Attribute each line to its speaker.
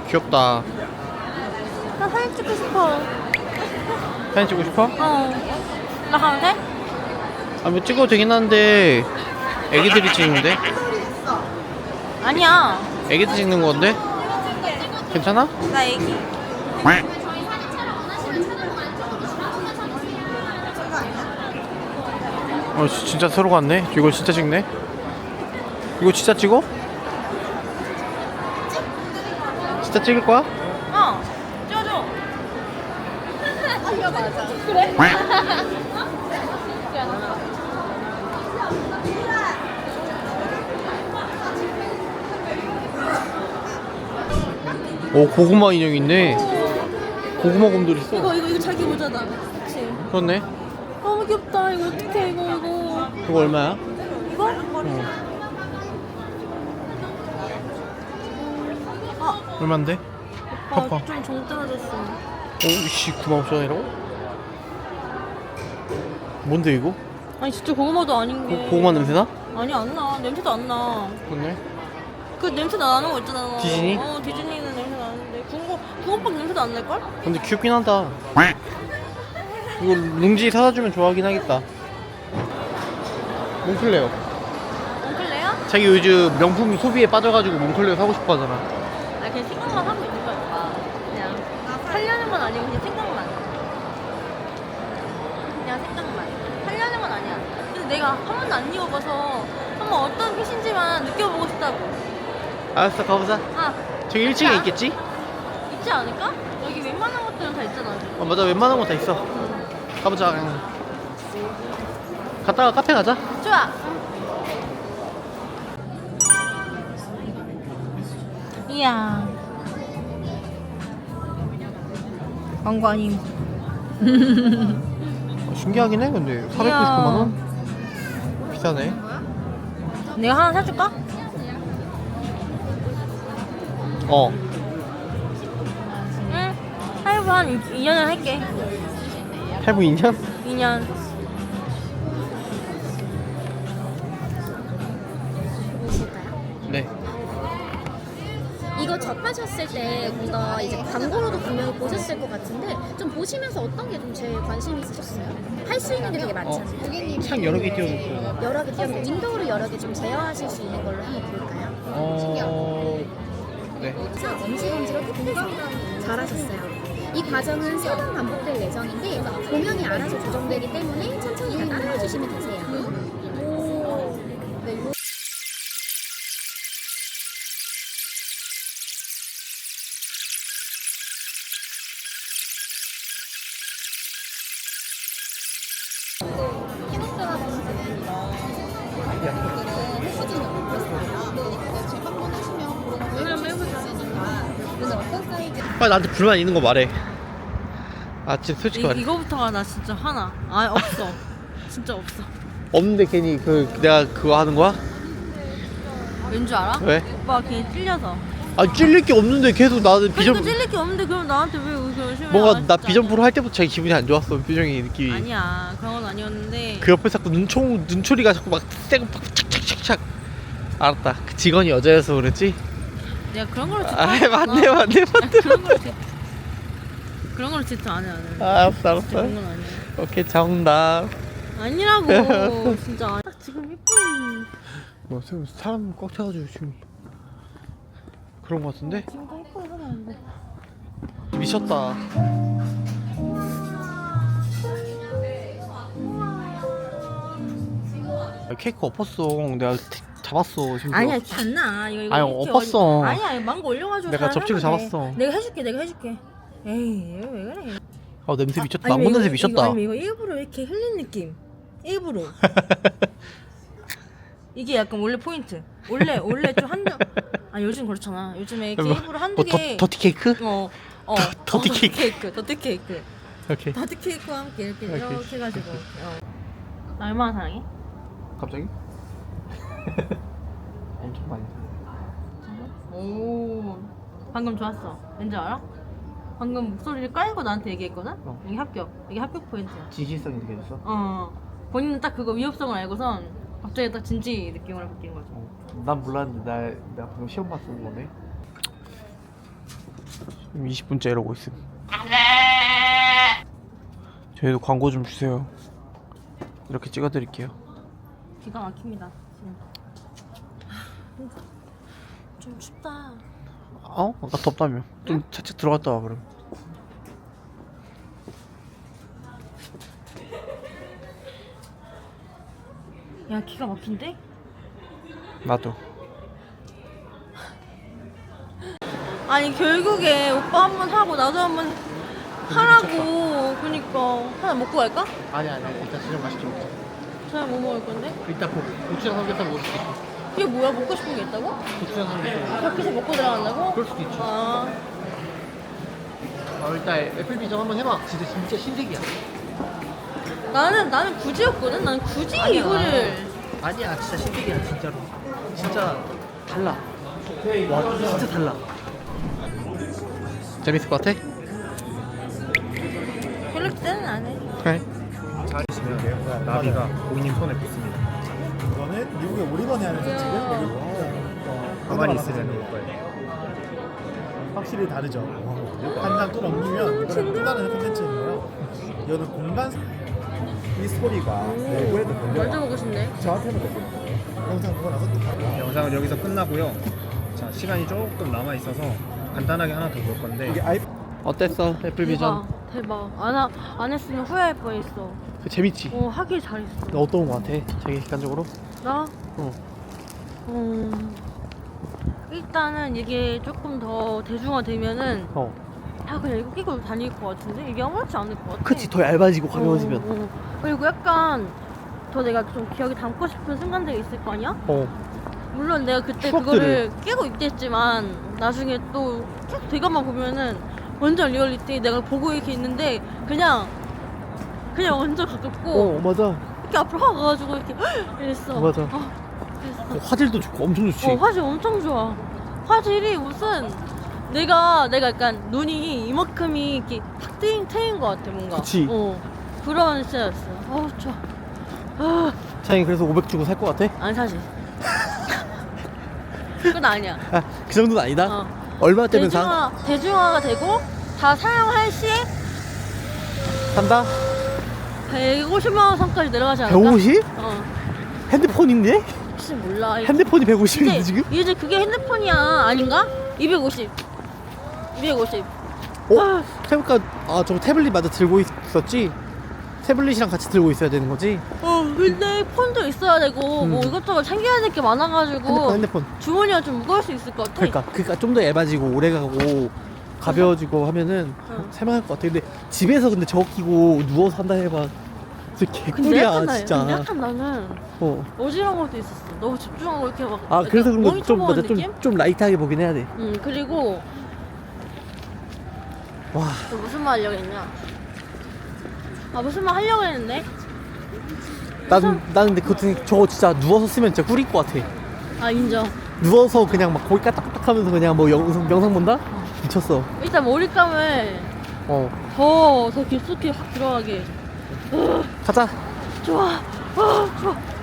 Speaker 1: 귀엽다.
Speaker 2: 나 사진 찍고 싶어.
Speaker 1: 사진 찍고 싶어?
Speaker 2: 나 가면 돼?
Speaker 1: 아, 뭐 찍어도 되긴 한데 애기들이 찍는데?
Speaker 2: 아니야.
Speaker 1: 애기들 찍는 건데? 괜찮아?
Speaker 2: 나 애기.
Speaker 1: 진짜 서로 같네. 이거 진짜 찍네. 이거 진짜 찍어? 진짜 찍을 거야?
Speaker 2: 찍어줘. 이거 맞아. 그래?
Speaker 1: 오, 고구마 인형 있네. 고구마 곰돌 있어.
Speaker 2: 이거 자기 모자다. 그치?
Speaker 1: 그렇네.
Speaker 2: 너무 귀엽다. 이거 어떡해, 이거.
Speaker 1: 이거 얼마야?
Speaker 2: 이거?
Speaker 1: 얼만데? 봐봐.
Speaker 2: 좀정 떨어졌어.
Speaker 1: 오씨, 95,000원이라고? 뭔데 이거?
Speaker 2: 아니, 진짜 고구마도 아닌 게.
Speaker 1: 고구마 냄새나?
Speaker 2: 아니, 안 나. 냄새도 안 나.
Speaker 1: 그렇네.
Speaker 2: 그 냄새 나는 거 있잖아.
Speaker 1: 디즈니?
Speaker 2: 디즈니는 냄새 나는데 붕어빵 냄새도 안 날걸?
Speaker 1: 근데 귀엽긴 하다. 이거 룽지 사다 주면 좋아하긴 하겠다. 몽클레어.
Speaker 2: 몽클레어?
Speaker 1: 자기 요즘 명품 소비에 빠져가지고 몽클레어 사고 싶어 하잖아.
Speaker 2: 아, 그냥 생각만 하고 있는 거야, 오빠. 그냥 살려는 건 아니고 그냥 생각만. 그냥 생각만. 살려는 건 아니야. 근데 내가 한 번도 안 입어봐서 한번 어떤 핏인지만 느껴보고 싶다고.
Speaker 1: 알았어, 가보자. 저기 1층에
Speaker 2: 야.
Speaker 1: 있겠지?
Speaker 2: 있지 않을까? 여기 웬만한 것들은 다 있잖아.
Speaker 1: 맞아, 웬만한 거 다 있어. 가보자. 갔다가 카페 가자.
Speaker 2: 좋아. 이야. 광고 아님.
Speaker 1: 신기하긴 해. 근데 499만 원? 비싸네.
Speaker 2: 내가 하나 사줄까? 응. 할부 한 2년을 할게.
Speaker 1: 할부 2년?
Speaker 2: 2년.
Speaker 1: 네.
Speaker 3: 이거 접하셨을 때 뭔가 이제 광고로도 분명히 보셨을 것 같은데 좀 보시면서 어떤 게 좀 제일 관심 있으셨어요? 할 수 있는 게 되게 많잖아요.
Speaker 1: 창 여러 개 띄워줬어요.
Speaker 3: 여러 개 띄워서 윈도우를 여러 개 좀 제어하실 수 있는 걸로 한번 볼까요?
Speaker 1: 네.
Speaker 3: 그래서 엄지검지로 끝내서 잘하셨어요. 이 과정은 3번 반복될 예정인데 도면이 알아서 조정되기 때문에 천천히 다 따라해 주시면 되세요. 네,
Speaker 1: 빨리 나한테 불만 있는 거 말해. 아, 진짜 솔직히 말해.
Speaker 2: 이거부터가 나 진짜 화나. 없어. 진짜 없어.
Speaker 1: 없는데 괜히 내가 그거 하는 거야?
Speaker 2: 왠 줄 알아?
Speaker 1: 왜?
Speaker 2: 오빠 걔 찔려서.
Speaker 1: 아, 찔릴 게 없는데 계속 나는
Speaker 2: 그러니까
Speaker 1: 비전
Speaker 2: 찔릴 게 없는데 그럼 나한테 왜 그런 심해?
Speaker 1: 뭔가 나 비전 프로 할 때부터 자기 기분이 안 좋았어. 표정이 느낌이.
Speaker 2: 아니야. 그런 건 아니었는데.
Speaker 1: 그 옆에 자꾸 눈초리가 자꾸 막 세고 막 착착착착. 알았다. 그 직원이 여자여서 그랬지?
Speaker 2: 내가 그런 걸로 질투
Speaker 1: 아,
Speaker 2: 안
Speaker 1: 맞네.
Speaker 2: 그런 걸로 질투 안 해.
Speaker 1: 알았어.
Speaker 2: 그런 건 아니야.
Speaker 1: 오케이, 정답.
Speaker 2: 아니라고. 진짜. 딱 지금 예쁜.
Speaker 1: 뭐 사람 꽉 차가지고 지금 그런 거 같은데?
Speaker 2: 지금 다 예쁘게 하면 안 돼.
Speaker 1: 미쳤다. 케이크 엎었어. 내가 잡았어. 심지어.
Speaker 2: 아니야, 안 나. 이거
Speaker 1: 아니,
Speaker 2: 이렇게
Speaker 1: 엎었어.
Speaker 2: 아니야, 망고 올려가지고.
Speaker 1: 내가
Speaker 2: 잘
Speaker 1: 접시를
Speaker 2: 하면 돼.
Speaker 1: 잡았어.
Speaker 2: 내가 해줄게. 에이, 왜 그래?
Speaker 1: 냄새 미쳤다.
Speaker 2: 아니면
Speaker 1: 망고 냄새
Speaker 2: 이거-
Speaker 1: 미쳤다.
Speaker 2: 아니면 이거 일부러 이렇게 흘린 느낌. 일부러. 이게 약간 원래 포인트. 원래 좀 한두. 아, 요즘 그렇잖아. 요즘에 이렇게 일부러 한두 개.
Speaker 1: 더티 케이크? 더티
Speaker 2: 케이크. 더티 케이크.
Speaker 1: 오케이.
Speaker 2: 더티 케이크와 함께 이렇게
Speaker 1: 오케이.
Speaker 2: 해가지고. 나 얼마나 사랑해?
Speaker 1: 갑자기? 엄청 많이.
Speaker 2: 오, 방금 좋았어. 왠지 알아? 방금 목소리를 깔고 나한테 얘기했거든? 여기 합격. 여기 합격 포인트야.
Speaker 1: 진실성이 느껴졌어?
Speaker 2: 본인은 딱 그거 위협성을 알고선 갑자기 딱 진지 느낌으로 바뀐 거죠.
Speaker 1: 난 몰랐는데 내가 방금 시험 봤던 거네. 이미 20분째 이러고 있음. 저희도 광고 좀 주세요. 이렇게 찍어드릴게요.
Speaker 2: 기가 막힙니다. 좀 춥다.
Speaker 1: 어? 아까 덥다며. 좀 살짝 들어갔다 와 그럼.
Speaker 2: 야, 기가 막힌데?
Speaker 1: 나도.
Speaker 2: 아니 결국에 오빠 한 번 하고 나도 한 번 하라고. 그니까 하나 먹고 갈까?
Speaker 1: 아니 일단 저녁 맛있게 먹자.
Speaker 2: 저녁 뭐 먹을 건데?
Speaker 1: 이따 고추장 삼겹살 먹을 수도 있고.
Speaker 2: 이게 뭐야? 먹고 싶은 게 있다고?
Speaker 1: 고추장 삼겹살.
Speaker 2: 밖에서 먹고 들어간다고?
Speaker 1: 그럴 수도 있죠.
Speaker 2: 아,
Speaker 1: 일단 애플비전 한번 해봐. 진짜 신세계야.
Speaker 2: 나는 굳이였거든. 나는 굳이
Speaker 1: 아니야.
Speaker 2: 이거를.
Speaker 1: 아니야 진짜 신세계야 진짜로. 진짜 달라. 와 진짜 달라. 재밌을 것 같아?
Speaker 2: 별로 기대는 안 해.
Speaker 1: 그래.
Speaker 4: 잘 있으면 돼요. 나비가 고객님 손에 붙습니다.
Speaker 5: 이거는 미국에 오리건에 하면서
Speaker 2: 이야.
Speaker 5: 지금 여기
Speaker 4: 가만히 있으면 올 거예요.
Speaker 5: 확실히 다르죠. 한 장 또 넘기면 이거는 또 다른 콘텐츠인데요. 이거는 공간
Speaker 4: 이 스토리가 내부에도
Speaker 2: 먼저
Speaker 4: 들려요.
Speaker 2: 먹고 싶네.
Speaker 4: 저한테는 들리는 거예요.
Speaker 5: 영상 보고 나서 또 바로
Speaker 4: 영상은 여기서 끝나고요. 자, 시간이 조금 남아 있어서 간단하게 하나 더 볼 건데
Speaker 5: 이게 아이
Speaker 1: 어땠어 애플비전?
Speaker 2: 대박. 안 했으면 후회할 뻔했어.
Speaker 1: 재밌지?
Speaker 2: 하길 잘했어.
Speaker 1: 너 어떤 거 같아? 자기 객관적으로?
Speaker 2: 나?
Speaker 1: 어.
Speaker 2: 일단은 이게 조금 더 대중화되면은
Speaker 1: 어.
Speaker 2: 그냥 이거 끼고 다닐 것 같은데 이게 아무렇지 않을 것 같아.
Speaker 1: 그치 더 얇아지고 가벼워지면.
Speaker 2: 그리고 약간 더 내가 좀 기억에 담고 싶은 순간들이 있을 거 아니야? 물론 내가 그때
Speaker 1: 추억들을.
Speaker 2: 그거를 끼고 있겠지만 나중에 또 계속 되감아 보면은 완전 리얼리티 내가 보고 이렇게 있는데 그냥 완전 가깝고
Speaker 1: 맞아.
Speaker 2: 이렇게 앞으로 확 가가지고 이렇게 이랬어.
Speaker 1: 맞아.
Speaker 2: 그랬어.
Speaker 1: 화질도 좋고 엄청 좋지.
Speaker 2: 화질 엄청 좋아. 화질이 무슨 내가 약간 눈이 이만큼이 이렇게 탁 트인 것 같아 뭔가.
Speaker 1: 그치.
Speaker 2: 그런 시절이었어. 좋아.
Speaker 1: 자기 그래서 500 주고 살 것 같아?
Speaker 2: 아니 사실. 그건 아니야.
Speaker 1: 그 정도는 아니다? 얼마 때면 사?
Speaker 2: 대중화가 되고 다 사용할 시에
Speaker 1: 산다?
Speaker 2: 150만 원 선까지 내려가지 않을까?
Speaker 1: 150?
Speaker 2: 어.
Speaker 1: 핸드폰인데?
Speaker 2: 혹시 몰라.
Speaker 1: 핸드폰이 150인데 지금?
Speaker 2: 이제 그게 핸드폰이야 아닌가? 250.
Speaker 1: 생각보다 저거 태블릿 맞아 들고 있었지? 태블릿이랑 같이 들고 있어야 되는 거지?
Speaker 2: 근데 폰도 있어야 되고 뭐 이것저것 챙겨야 될 게 많아가지고
Speaker 1: 핸드폰.
Speaker 2: 주머니가 좀 무거울 수 있을 것 같아.
Speaker 1: 그러니까 좀 더 얇아지고 오래가고 가벼워지고 하면은 살만할 것 같아. 근데 집에서 근데 저거 끼고 누워서 한다 해봐. 진짜
Speaker 2: 근데
Speaker 1: 개꿀이야
Speaker 2: 약간,
Speaker 1: 진짜.
Speaker 2: 약간 나는 어지러운 것도 있었어. 너무 집중하고 이렇게 막.
Speaker 1: 그래서 그런
Speaker 2: 모니터
Speaker 1: 거좀
Speaker 2: 보는
Speaker 1: 맞아
Speaker 2: 느낌?
Speaker 1: 좀 라이트하게 보긴 해야 돼.
Speaker 2: 그리고
Speaker 1: 와.
Speaker 2: 또 무슨 말 하려고 했냐? 무슨 말 하려고 했는데?
Speaker 1: 나는 근데 저거 진짜 누워서 쓰면 진짜 꿀일 것 같아.
Speaker 2: 인정.
Speaker 1: 누워서 그냥 막 거기 까딱까딱하면서 그냥 뭐 명상 본다? 미쳤어.
Speaker 2: 일단 몰입감을 더 깊숙이 확 들어가게.
Speaker 1: 가자.
Speaker 2: 좋아. 좋아.